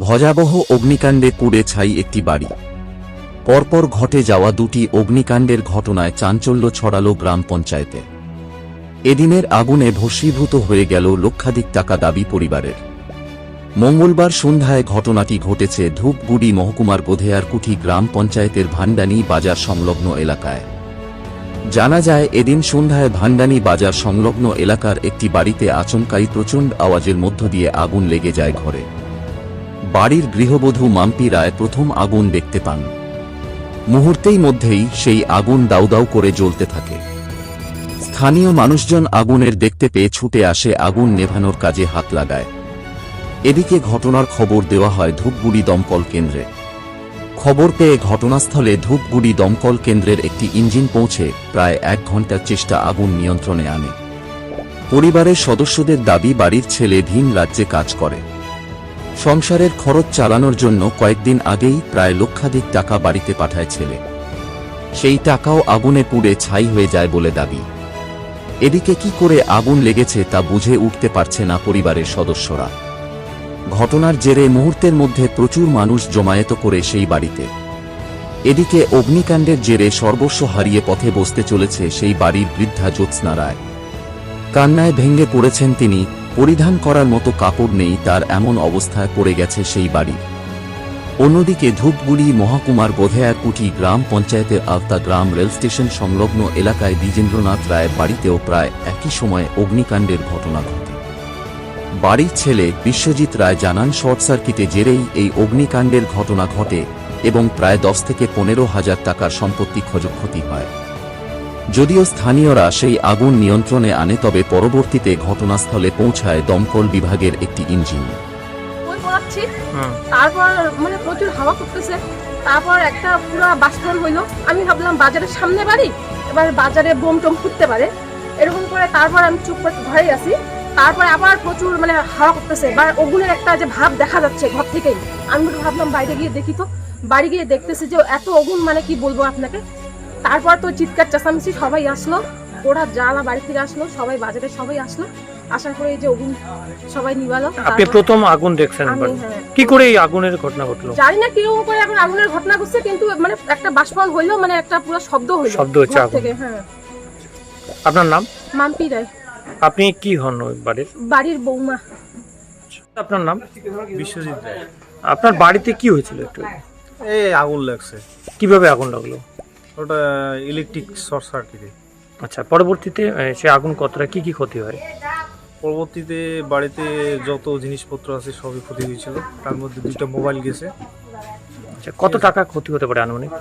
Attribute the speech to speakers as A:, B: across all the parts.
A: ভয়াবহ অগ্নিকাণ্ডে পুড়ে ছাই একটি বাড়ি। পরপর ঘটে যাওয়া দুটি অগ্নিকাণ্ডের ঘটনায় চাঞ্চল্য ছড়ালো গ্রাম পঞ্চায়েতে। এদিনের আগুনে ভস্মীভূত হয়ে গেল লক্ষাধিক টাকা দাবি পরিবারের। মঙ্গলবার সন্ধ্যায় ঘটনাটি ঘটেছে ধূপগুড়ি মহকুমার গোধেয়ারকুঠি গ্রাম পঞ্চায়েতের ভান্ডানী বাজার সংলগ্ন এলাকায়। জানা যায়, এদিন সন্ধ্যায় ভান্ডানী বাজার সংলগ্ন এলাকার একটি বাড়িতে আচমকাই প্রচণ্ড আওয়াজের মধ্য দিয়ে আগুন লেগে যায় ঘরে। বাড়ির গৃহবধূ মাম্পি রায় প্রথম আগুন দেখতে পান। মুহূর্তেই মধ্যেই সেই আগুন দাউ দাউ করে জ্বলতে থাকে। স্থানীয় মানুষজন আগুনের দেখতে পেয়ে ছুটে আসে আগুন নেভানোর কাজে হাত লাগায়। এদিকে ঘটনার খবর দেওয়া হয় ধূপগুড়ি দমকল কেন্দ্রে। খবর পেয়ে ঘটনাস্থলে ধূপগুড়ি দমকল কেন্দ্রের একটি ইঞ্জিন পৌঁছে প্রায় 1 ঘণ্টার চেষ্টা আগুন নিয়ন্ত্রণে আনে। পরিবারের সদস্যদের দাবি, বাড়ির ছেলে ভিন রাজ্যে কাজ করে। সংসারের খরচ চালানোর জন্য কয়েকদিন আগেই প্রায় লক্ষাধিক টাকা বাড়িতে পাঠায় ছেলে। সেই টাকাও আগুনে পুড়ে ছাই হয়ে যায় বলে দাবি। এদিকে কি করে আগুন লেগেছে তা বুঝে উঠতে পারছে না পরিবারের সদস্যরা। ঘটনার জেরে মুহূর্তের মধ্যে প্রচুর মানুষ জমায়েত করে সেই বাড়িতে। এদিকে অগ্নিকাণ্ডের জেরে সর্বস্ব হারিয়ে পথে বসতে চলেছে সেই বাড়ির বৃদ্ধা জ্যোৎস্না রায়। কান্নায় ভেঙে পড়েছেন তিনি। পরিধান করার মতো কাপড় নেই তার, এমন অবস্থায় পড়ে গেছে সেই বাড়ি। অন্যদিকে ধূপগুড়ি মহকুমার গোধেয়ারকুঠি গ্রাম পঞ্চায়েতের আলতা গ্রাম রেল স্টেশন সংলগ্ন এলাকায় দ্বিজেন্দ্রনাথ রায়ের বাড়িতেও প্রায় একই সময়ে অগ্নিকাণ্ডের ঘটনা ঘটে। বাড়ির ছেলে বিশ্বজিৎ রায় জানান, শর্ট সার্কিটে জেরেই এই অগ্নিকাণ্ডের ঘটনা ঘটে এবং প্রায় 10 থেকে 15,000 টাকার সম্পত্তি ক্ষয়ক্ষতি হয়। যদিও স্থানীয়রা সেই আগুন নিয়ন্ত্রণে আনে, তবে পরবর্তীতে ঘটনাস্থলে পৌঁছায় দমকল বিভাগের একটি ইঞ্জিন।
B: তারপর মানে প্রচুর হাওয়া করতেছে, তারপর একটা পুরো বাষ্পন হইলো। আমি ভাবলাম বাজারের সামনে বাড়ি, এবার বাজারে বোম টোম ফুটতে পারে এরকম করে। তারপর আমি চুপ করে ঘরে আসি। তারপরে আবার প্রচুর মানে হাওয়া করতেছে, বা ওগুনের একটা যে ভাব দেখা যাচ্ছে ঘর থেকেই। আমি ভাবলাম বাইরে গিয়ে দেখি, তো বাড়ি গিয়ে দেখতেছি যে এত আগুন, মানে কি বলবো আপনাকে। তারপর তো চিৎকার চেঁচামেচি, সবাই আসলো, ওরা জ্বালা বাড়ি থেকে আসলো, সবাই বাজারে সবাই আসলো। আসার পরে এই যে আগুন সবাই নিভালো।
C: আপনি প্রথম আগুন দেখছেন, কি করে এই আগুনের ঘটনা ঘটলো?
B: জানি না কিরকম করে এখন আগুনের ঘটনা ঘটছে, কিন্তু মানে একটা বাষ্পন হইলো, মানে একটা পুরো শব্দ হইলো,
C: শব্দ হচ্ছে আগুন থেকে।
B: হ্যাঁ।
C: আপনার নাম?
B: মাম্পি রায়।
C: আপনি কি হন ওই
B: বাড়ির বৌমা।
C: আপনার নাম?
D: বিশ্বজিৎ রায়।
C: আপনার বাড়িতে কি হয়েছিল একটু?
D: এই আগুন লাগছে।
C: কিভাবে আগুন লাগলো?
D: ওটা ইলেকট্রিক শর্ট সার্কিটে।
C: আচ্ছা, পরবর্তীতে সে আগুন কতটা কি কি ক্ষতি হয়?
D: পরবর্তীতে বাড়িতে যত জিনিসপত্র আছে সবই ক্ষতি হয়েছিল, তার মধ্যে 2টা মোবাইল গেছে।
C: আচ্ছা, কত টাকা ক্ষতি হতে পারে আনুমানিক?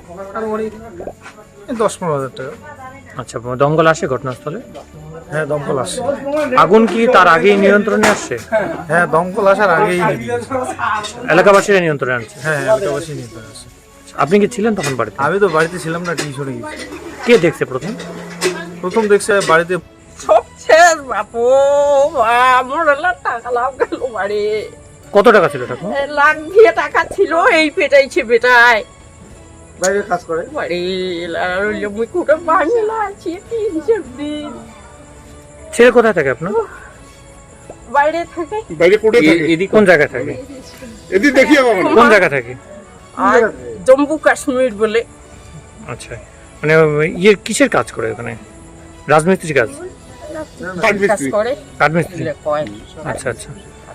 D: 10-15,000 টাকা।
C: আচ্ছা, দমকল আসে ঘটনাস্থলে?
D: হ্যাঁ, দমকল আসে।
C: আগুন কি তার আগেই নিয়ন্ত্রণে আসছে?
D: হ্যাঁ, দমকল আসার আগেই
C: এলাকাবাসীরা নিয়ন্ত্রণে আসছে?
D: হ্যাঁ, এলাকাবাসী নিয়ন্ত্রণে আসে।
C: আপনি কি ছিলেন তখন বাড়িতে?
D: আমি তো বাড়িতে ছিলাম না, টিউশনে গেছি।
C: কে দেখছে
D: প্রথম দেখছে বাড়িতে
E: সব শেষ বাপু, আমার টাকা লাভ গেল বাড়ি।
C: কত টাকা ছিল? টাকা
E: লাখ দিয়ে টাকা ছিল, এই পেটাইছে বেটায়।
D: বাইরে কাজ করে
E: বাড়ি মুই কুটে বাংলা আছি, কি হিসেব দিন।
C: ছেলে কোথায় থাকে আপনার?
E: বাইরে থাকে।
F: বাইরে কোটে থাকে?
C: এদিকে কোন জায়গায় থাকে?
F: এদিকে দেখি আমার
C: কোন জায়গা থাকে?
E: আর জম্মু কাশ্মীর বলে।
C: আচ্ছা, মানে কিসের কাজ করে ওখানে? রাজমিস্ত্রি কাজ?
E: কাজ করে,
C: কাঠমিস্ত্রি।
E: কয়।
C: আচ্ছা আচ্ছা।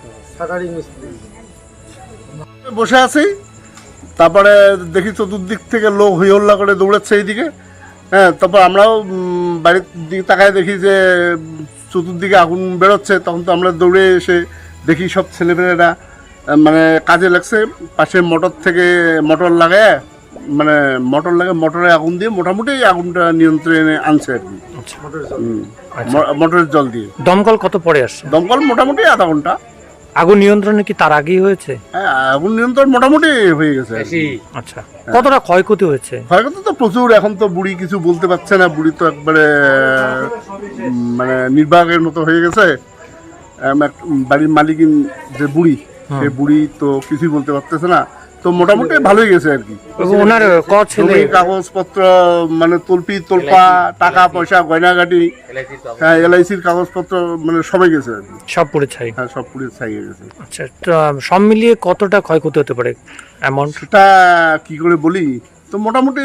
F: বসে আছি, তারপরে দেখি চতুর্দিক থেকে লোক হই হল্লা করে দৌড়াচ্ছে এইদিকে। হ্যাঁ, তারপর আমরাও বাড়ির দিকে তাকায় দেখি যে চতুর্দিকে আগুন বেরোচ্ছে। তখন তো আমরা দৌড়ে এসে দেখি সব ছেলেমেয়েরা মানে কাজে লাগছে। পাশে মোটর থেকে মোটর লাগায়, মানে মোটরে আগুন দিয়ে মোটামুটি আগুনটা নিয়ন্ত্রণে আনছে আর কি। মোটরের জল দিয়ে।
C: দমকল কত পরে আসছে?
F: দমকল মোটামুটি আধা ঘন্টা।
C: আগুন নিয়ন্ত্রণে কি তার আগেই হয়েছে?
F: হ্যাঁ, আগুন নিয়ন্ত্রণ মোটামুটি হয়ে গেছে।
C: আচ্ছা, কতটা ক্ষয়ক্ষতি হয়েছে?
F: ক্ষয়ক্ষতি তো প্রচুর। এখন তো বুড়ি কিছু বলতে পারছে না, বুড়ি তো একবারে মানে নির্বাকের মতো হয়ে গেছে। বাড়ির মালিকিন যে বুড়ি, সে বুড়ি তো কিছুই বলতে পারতেছে না। তো মোটামুটি ভালোই গেছে আর কি।
C: এবং ওনার ক ছেলে?
F: জমি, কাগজপত্র, মানে তলপি তোলপা, টাকা পয়সা, গয়নাগাটি, হ্যাঁ এলআইসির কাগজপত্র, মানে সবাই গেছে আর কি।
C: সব পুড়ে ছাই।
F: হ্যাঁ সব পুড়ে ছাই হয়ে গেছে।
C: আচ্ছা, তো সব মিলিয়ে কতটা ক্ষয়ক্ষতি হতে পারে অ্যামাউন্ট?
F: সেটা কি করে বলি, তো মোটামুটি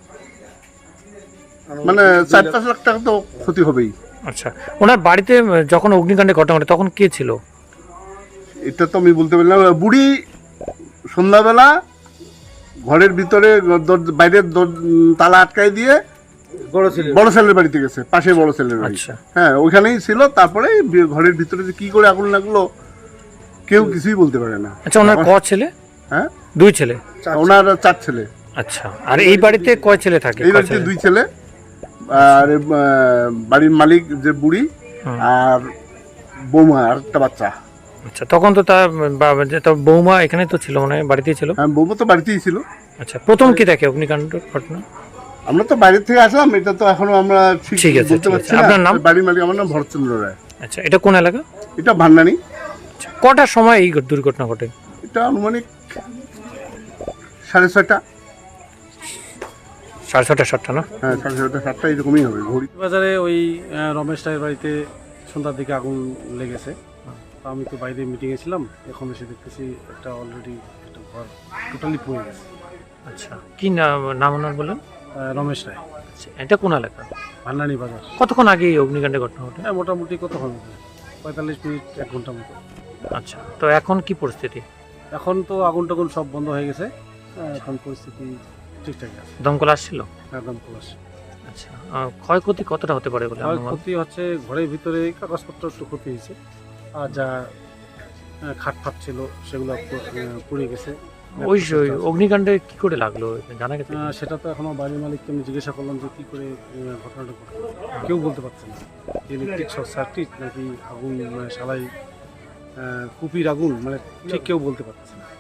F: মানে 4-5 লাখ টাকা তো ক্ষতি হবেই।
C: আচ্ছা, ওনার বাড়িতে যখন অগ্নিকাণ্ডের ঘটনা ঘটে তখন কে ছিল?
F: এটা তো আমি বলতে পারলাম। বুড়ি সন্ধ্যাবেলা ঘরের ভিতরে বাইরের তালা আটকাই দিয়ে বড় ছেলের বাড়িতে গেছে, পাশে বড় ছেলের বাড়ি।
C: আচ্ছা।
F: হ্যাঁ ওইখানেই ছিল। তারপরে ঘরের ভিতরে যে কি করে আগুন লাগলো কেউ কিছুই বলতে পারে না।
C: আচ্ছা, ওনার ক ছেলে?
F: হ্যাঁ
C: 2 ছেলে।
F: ওনার 4 ছেলে।
C: আচ্ছা, আর এই বাড়িতে কয় ছেলে থাকে?
F: এই বাড়িতে 2 ছেলে, আর বাড়ির মালিক যে বুড়ি আর বৌমা আর একটা বাচ্চা।
C: আচ্ছা, তখন তো তার বৌমা এখানে তো ছিল, মানে বাড়িতেই ছিল?
F: হ্যাঁ বৌমা তো বাড়িতেই ছিল।
C: আচ্ছা, প্রথম কি দেখে অগ্নিকাণ্ড ঘটনা?
F: আমরা তো বাইরে থেকে আসলাম, এটা তো এখনো আমরা
C: ঠিক আছে,
F: বলতে পারছি না।
C: আপনার নাম?
F: বাড়ির মালিক আমার নাম ভরতচন্দ্র রায়।
C: আচ্ছা, এটা কোন এলাকা?
F: এটা ভান্ডানি।
C: আচ্ছা, কটার সময় এই দুর্ঘটনা ঘটে?
F: এটা আনুমানিক 6:30।
C: 6:30 7টা না?
F: হ্যাঁ 6:30 7টা এরকমই হবে। ঘড়ি
G: বাজারে ওই রমেশ রায়ের বাড়িতে সন্ধ্যার দিকে আগুন লেগেছে। তো আমি তো বাইরে মিটিংয়ে ছিলাম, এখন এসে দেখতেছি একটা অলরেডি একটা ঘর টোটালি পুড়ে গেছে।
C: আচ্ছা, কি নাম ওনার বলেন?
G: রমেশ রায়।
C: আচ্ছা, এটা কোন এলাকা?
G: ভান্ডানি বাজার।
C: কতক্ষণ আগে এই অগ্নিকাণ্ডের ঘটনা ঘটে?
G: হ্যাঁ মোটামুটি কতক্ষণ, 45 মিনিট 1 ঘন্টা মতো।
C: আচ্ছা, তো এখন কি পরিস্থিতি?
G: এখন তো আগুন টাগুন সব বন্ধ হয়ে গেছে, এখন পরিস্থিতি ঠিকঠাক আছে।
C: দমকল আসছিল?
G: একদম খোলাস।
C: আচ্ছা, ক্ষয়ক্ষতি কতটা হতে পারে বলে অনুমান?
G: ক্ষতি হচ্ছে ঘরের ভিতরে কাগজপত্র একটু ক্ষতি হয়েছে, আর যা খাট ফাট ছিল সেগুলো পুড়ে গেছে।
C: ওই অগ্নিকাণ্ডে কি করে লাগলো জানা গেছে?
G: সেটা তো এখনো বাড়ির মালিককে আমি জিজ্ঞাসা করলাম যে কি করে ঘটনাটা ঘটলো, কেউ বলতে পারছে না। ইলেকট্রিক শর্ট সার্কিট নাকি আগুন, মানে শালাই কুপির আগুন, মানে ঠিক কেউ বলতে পারছে না।